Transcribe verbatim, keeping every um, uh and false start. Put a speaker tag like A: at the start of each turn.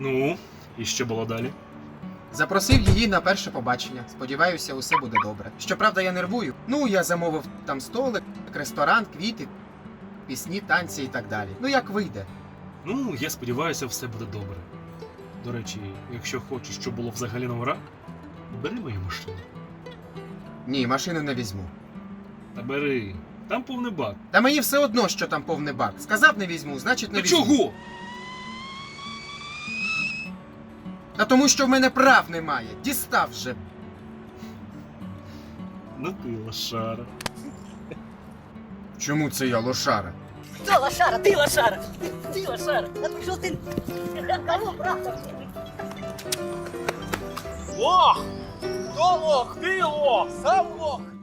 A: Ну, і що було далі?
B: Запросив її на перше побачення. Сподіваюся, усе буде добре. Щоправда, я нервую. Ну, я замовив там столик, ресторан, квіти, пісні, танці і так далі. Ну, як вийде.
A: Ну, я сподіваюся, все буде добре. До речі, якщо хочеш, щоб було взагалі на ура, бери мою машину.
B: Ні, машину не візьму.
A: Та бери, там повний бак.
B: Та мені все одно, що там повний бак. Сказав не візьму, значить не
A: Та
B: візьму.
A: чого?
B: Та тому, що в мене прав немає. Дістав вже.
A: Ну ти лошара.
B: Чому це я лошара?
C: Кто лошара? Ты лошара! Ты лошара! А ты что ты? Кого, брат?
D: Лох! Хто лох? Ти лох! Сам лох!